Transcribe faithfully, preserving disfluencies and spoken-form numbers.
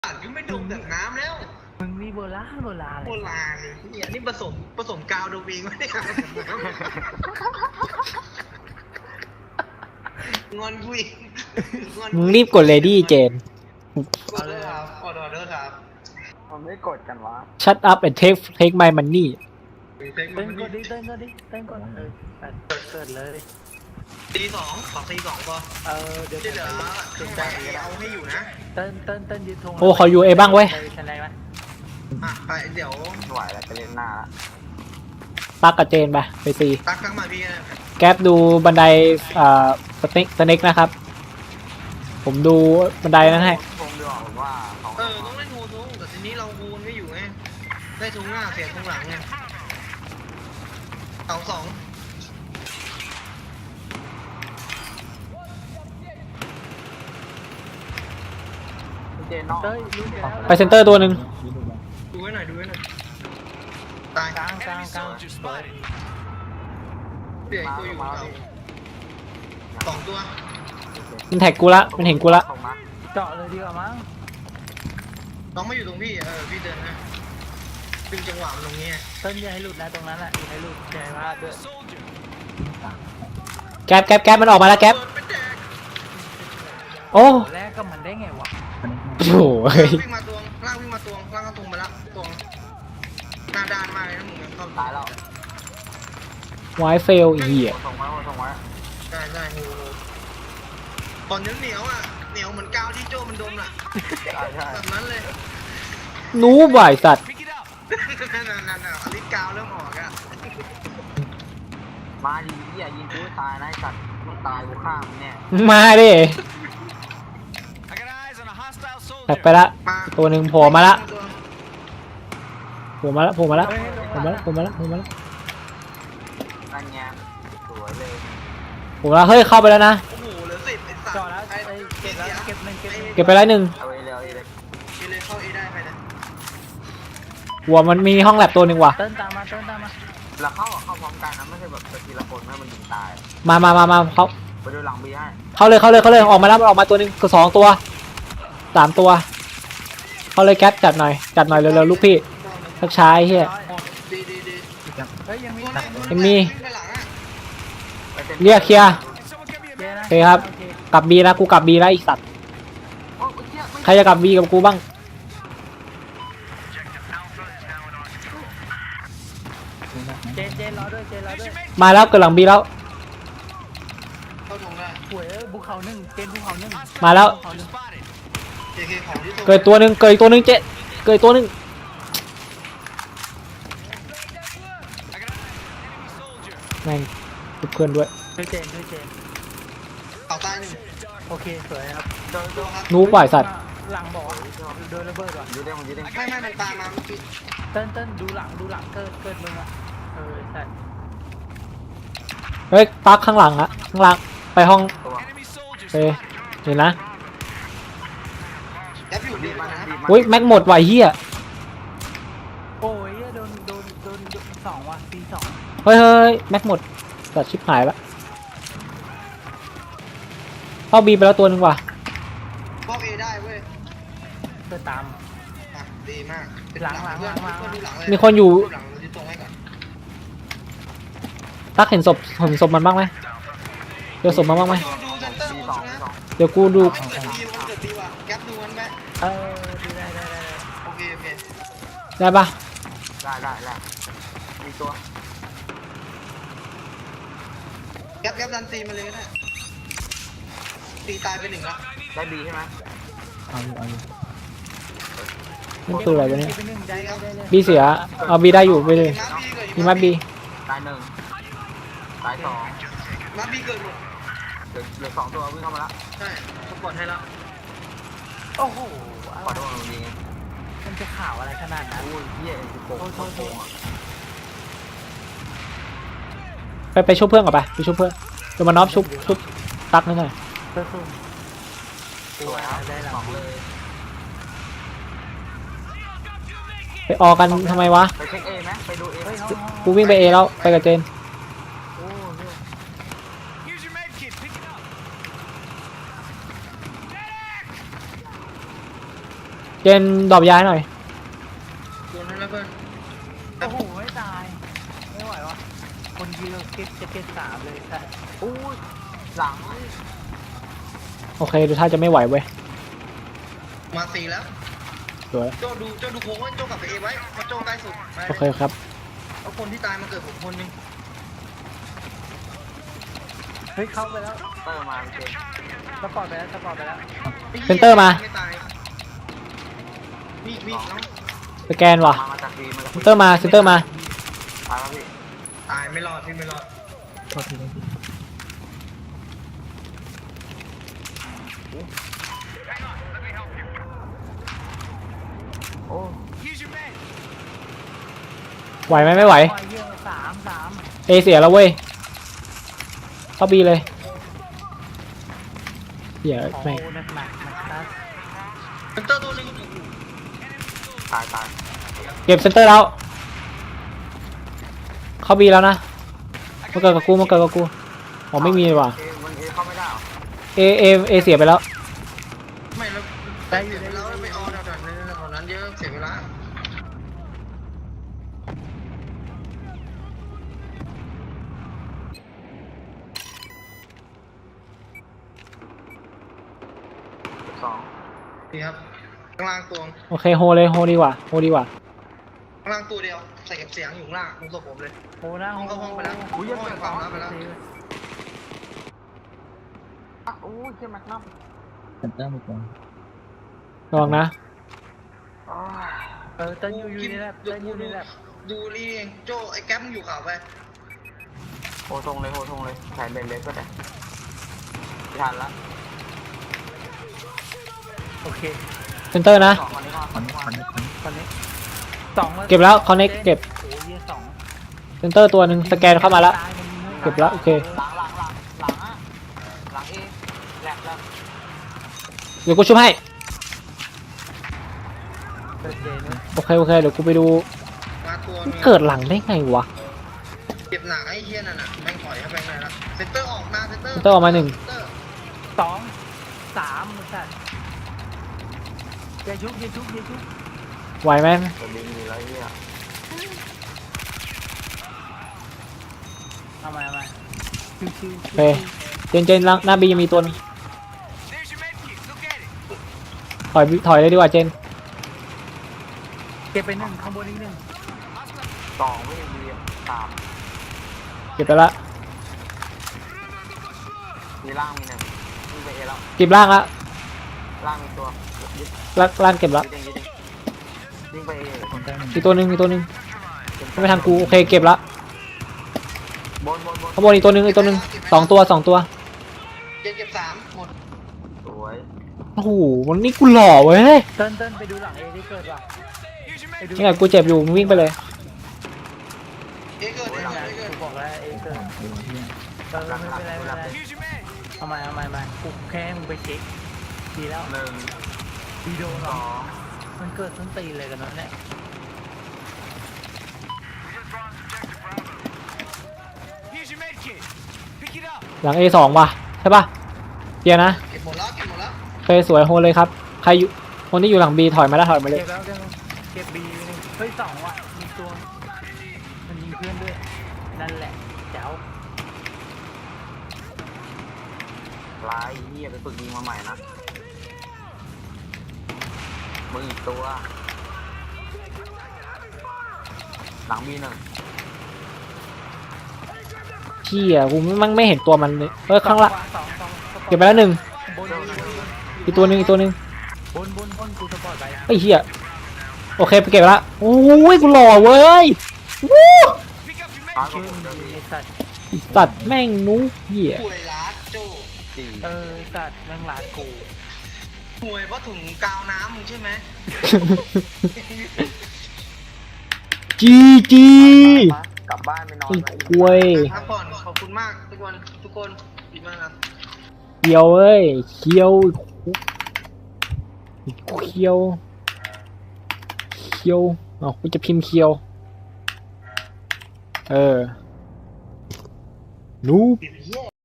ก็ไม่ดมแบบน้ำแล้วมึงนี่โบราณโบราณเลยโบราณเนี่ยนี่ผสมผสมกาวโดมิงไม่ได้งอนกูอีกมึงรีบกดเลดี้เจนกดเลยครับกดออเดอร์ครับมันไม่กดกันวะ Shut up and take take my money เต้นกดดิเต้นกดดิเต้นกดเออเปิดเปิดเลยตีสองขอตีสองก็เออเดี๋ยวที่เหลือถึงใจเอาให้อยู่นะเต้นเต้นเต้นยืนทงโอ้เขาอยู่เอบ้างเว้ยชันไรไหมอ่ะไปเดี๋ยวไหวแล้วจะเล่นหน้าละปักกับเจนไปไปตีตักทั้งมาพี่แก๊ปดูบันไดอ่าสเน็กสเน็กนะครับผมดูบันไดนั้นให้คงดูออกว่าเออต้องเล่นโฮทุงแต่ทีนี้เราฮูนไม่อยู่ไงได้ทุงหน้าเสียทุงหลังไงสองสองเจนนอกไปเซนเตอร์ตัวหนึ่งดูไว้หน่อยดูไว้หน่อยตายกลางกลางกลางเปลี่ยนตัวอยู่เราสองตัวมันแท็กกูละมันเห็นกูละเจาะเลยดีกว่ามั้งน้องไม่อยู่ตรงพี่เออพี่เดินนะดึงจังหวะตรงนี้เต้นอย่าให้หลุดนะตรงนั้นแหละอย่าให้หลุดอย่าให้พลาดด้วยแก๊ปแก๊ปแก๊ปมันออกมาแล้วแก๊ปโอ้แรกก็มันได้ไงวะโอ้โหวิ่งมาตวงล่างวิ่งมาตวงล่างก็ตวงมาละตวงหน้าด้านมากเลยนะมึงเข้าตายแล้วไวเฟลเหี้ยส่งไว้ส่งไว้ใช่ใช่ฮูตอนนี้เหนียวอ่ะเหนียวเหมือนกาวที่โจมันดมอ่ะแบบนั้นเลยนู้บ่ายสัตว์นั่นนั่นนั่นอลิกาวเริ่มออกอ่ะมาดีอย่ายิงกูตายนะสัตว์มึงตายกูฆ่ามึงเนี่ยมาดิแท็กไปละตัวหนึ่งโผล่มาละโผล่มาละโผล่มาละโผล่มาละโผล่มาละโผล่มาละนั่นไงสวยเลยโผล่มาเฮ้ยเข้าไปแล้วนะโอ้โหเหลือสิบไอ้สัตว์เจาะแล้วเก็บแล้วเก็บหนึ่งเก็บเก็บไปแล้วหนึ่งเอาเอเลยเอาเอเลยเอเลยเข้าเอได้ไปนะหัวมันมีห้องแลบตัวหนึ่งว่ะเต้นตามมาเต้นตามมาแล้วเข้าเข้าพร้อมกันนะไม่ใช่แบบทีละคนให้มันยิงตายมามามามาเขาไปดูหลังบีให้เข้าเลยเข้าเลยเข้าเลยออกมาแล้วออกมาตัวหนึ่งก็สองตัวสามตัวเข้าเลยแก๊ปจัดหน่อยจัดหน่อยเร็วๆลูกพี่ทักช้าเฮียยังมีเรียกเคลียร์โอเคครับกลับบีแล้วกูกลับบีแล้วอีกสัตว์ใครจะกลับบีกับกูบ้างเจนเจนรอด้วยเจนรอด้วยมาแล้วเกิดหลังบีแล้วหวยภูเขาหนึ่งเจนภูเขาหนึ่งมาแล้วเกิดตัวหนึ่งเกิดตัวหนึ่งเจ๊เกิดตัวหนึ่งแม่งเพื่อนด้วยช่วยเจนช่วยเจนต่อตายหนึ่งโอเคสวยครับนู้ปล่อยสัตว์หลังบอกโดนระเบิดว่ะยืดได้มันยืดได้ไม่ไม่มันตามมาเมื่อกี้เต้นเต้นดูหลังดูหลังเกิดเกิดมึงอ่ะเออใช่เฮ้ยปักข้างหลังอะข้างหลังไปห้องเฮ้ยเห็นนะแอปอยู่ดีมานะอุ้ยแม็กหมดไหวเฮียโอ้ยโดนโดนโดนสองว่ะปีสองเฮ้ยเฮ้ยแม็กหมดตัดชิปหายละเข้าบีไปแล้วตัวหนึ่งว่ะเข้าเอได้เว้ยเพื่อตามดีมากหลังหลังหลังหลังมีคนอยู่ตักเห็นศพเห็นศพมันบ้างไหมเดี๋ยวศพมันบ้างไหมเดี๋ยวกูดูเออดูได้ได้ได้โอเคโอเคได้ปะได้ได้ได้มีตัวแก๊ปแก๊ปดันตีมาเลยก็ได้ตีตายไปหนึ่งแล้วได้บีใช่ไหมเอาอยู่เอาอยู่นี่คืออะไรวะเนี่ยบีเสียเอาบีได้อยู่ไปเลยมีมัดบีตายหนึ่งตายสองมัดบีเกิดหมดเหลือสองตัววิ่งเข้ามาแล้วใช่สปอร์ตให้แล้วโอ้โหขอโทษมึงยิงมันจะข่าวอะไรขนาดนั้นโอ้ยเฮียโกงโกงโกงไปไปชุบเพื่อนก่อนไปไปชุบเพื่อนเดี๋ยวมาน็อปชุบชุบตักนิดหน่อยสวยครับได้หลังเลยไปออกกันทำไมวะไปเช็คเอไหมไปดูเอกูวิ่งไปเอแล้วไปกับเจนเจนดรอปยาให้หน่อยโดนแล้วเพื่อนโอ้โหไม่ตายไม่ไหววะคนยิงเราเก็บจะเก็บสามเลยแต่อู้ยหลังโอเคดูท่าจะไม่ไหวเว้ยมาสี่แล้วสวยโจดูโจดูโค้งไว้โจกลับไปเอไว้เพราะโจใกล้สุดไปโอเคครับเอาคนที่ตายมาเกิดผมคนหนึงเฮ้ยเข้าไปแล้วเตอร์มาเจนสปอร์ตไปแล้วสปอร์ตไปแล้วเซ็นเตอร์มาไม่ตายมีมีน้องสแกนว่ะมามาจากดีมาจากเซนเตอร์มาเซนเตอร์มาตายแล้วพี่ตายไม่รอดพี่ไม่รอดโอ้ไหวไหมไม่ไหวปล่อยเยอะสามสามเอเสียแล้วเว้ยเข้าบีเลยเดี๋ยวโอ้โหแม่งหนักหนักนะครับเซนเตอร์ตัวหนึงตายตายเก็บเซนเตอร์แล้ว เข้าบีแล้วนะมาเกิดกับกูมาเกิดกับกูอ๋อไม่มีว่ะเอมันเอเข้าไม่ได้เหรอเอเอเอเสียไปแล้วไม่แล้วได้อยู่แล้วไม่ออแถวนั้นแถวนั้นเยอะเสียเวลาสองดีครับข้างล่างตัวโอเคโฮเลยโฮดีกว่าโฮดีกว่าข้างล่างตัวเดียวใส่เก็บเสียงอยู่ข้างล่างตรงตัวผมเลยโอ้หน้าห้องเข้าห้องไปแล้วอุ้ยยังห้องเกิดความสองลับไปแล้วอ่ะอู้ยเจ็บแม็กนัมระวังนะอ้าวเออเต้นอยู่อยู่นี่แหละเต้นอยู่นี่แหละดูนี่เองโจไอ้แก๊ปมึงอยู่ข่าวไปโหทงเลยโหทงเลยแขนเบนเล็กก็ได้ไม่ทันละโอเคเซนเตอร์นะสองคนนี้ก่อนคนนี้ก่อนตอนนี้สองเก็บแล้ว connect เก็บโอ้ยเหี้ยสองเซนเตอร์ตัวหนึ่งสแกนเข้ามาแล้ว เก็บแล้วโอเคหลังหลังหลังหลังอะหลังเอแหลกแล้วเดี๋ยวกูช่วยให้เกิดเจนโอเคโอเคเดี๋ยวกูไปดูมาตัวมันเกิดหลังได้ไงวะเก็บหนักไอ้เฮียนั่นน่ะแม่งถอยเข้าไปไหนละเซนเตอร์ออกมาเซนเตอร์เซนเตอร์ออกมาหนึ่งเซเตอร์สองสามมันสัตว์อย่าชุบอย่าชุบอย่าชุบไหวไหมตัวลิงอยู่แล้วไอ้เฮียเอามาเอามาชิวชิวโอเคเจนเจนหลังหน้าบียังมีตัวหนึงถอยถอยเลยดีกว่าเจนเก็บไปหนึ่งข้างบนอีกหนึ่งสองไม่มีสามเก็บไปละมีล่างมีหนึ่งมีไปเอแล้วเก็บล่างละล่างมีตัวยึดล่างล่างเก็บละยึดเองยึดเองยิงไปเอมีตัวหนึ่งมีตัวหนึ่งไม่ทางกูโอเคเก็บละบนบนบนข้างบนอีกตัวหนึ่งอีกตัวหนึ่งสองตัวสองตัวเจ็ดเก็บสามหมดสวยโอ้โหวันนี้กูหล่อเว้ยเต้นเต้นไปดูหลังเอที่เกิดว่ะไปดูนี่ไงกูเจ็บอยู่มึงวิ่งไปเลยเอเกิดเอหลังเกิดเอเกิดกูบอกแล้วเอเกิดเออไม่เป็นไรไม่เป็นไรเอามาเอามาเอามากูแค่ให้มึงไปเช็คดีแล้วหนึ่งดีโดนหรสอองมันเกิดส้นตีนเลยกันนั้นเนี่ยหลัง เอ สองว่ะใช่ป่ะเกียร์นะเก็บหมดแล้วเก็บหมดแล้วโอเคสวยโฮเลยครับใครอยู่คนที่อยู่หลังบีถอยมาแล้วถอยมาเลยเก็บแล้วเก็บแล้วเก็บบีหนึ่งเฮ้ยสองว่ะมีตัวมันยิงเพื่อนด้วยนั่นแหละเจ้าลายเฮียไปฝึกยิงมาใหม่นะมึงอีกตัว หลังมีหนึ่งเชี่ยกูมั่งไม่เห็นตัวมันเลยเออข้างละสองสองสปอร์ตเก็บไปแล้วหนึ่งบนบนบนอีกตัวหนึ่งอีกตัวหนึ่งบนบนบนกูสปอร์ตไปไอ้เหี้ยโอเคไปเก็บละโอ้ยกูหล่อเว้ยวู้ร้อยกชื่ว่าอผมมึเดี๋ยวงมีไอ้สัตว์สัตว์แม่งนู้เหี้ยป่วยล้าโจสี่เออสัตว์แม่งลาดกูป่วยเพราะถุงกาวน้ำมึงใช่ไหมจีจีกลับบ้านไปนอนไอ้นะกล้วยพักผ่อนขอบคุณมากทุกคนทุกคนดีมากครับเคียวเอ้ยเคียวเคียวเคียวอ๋อกูจะพิมพ์เคียวเออนูเดี๋ยวเหี้ย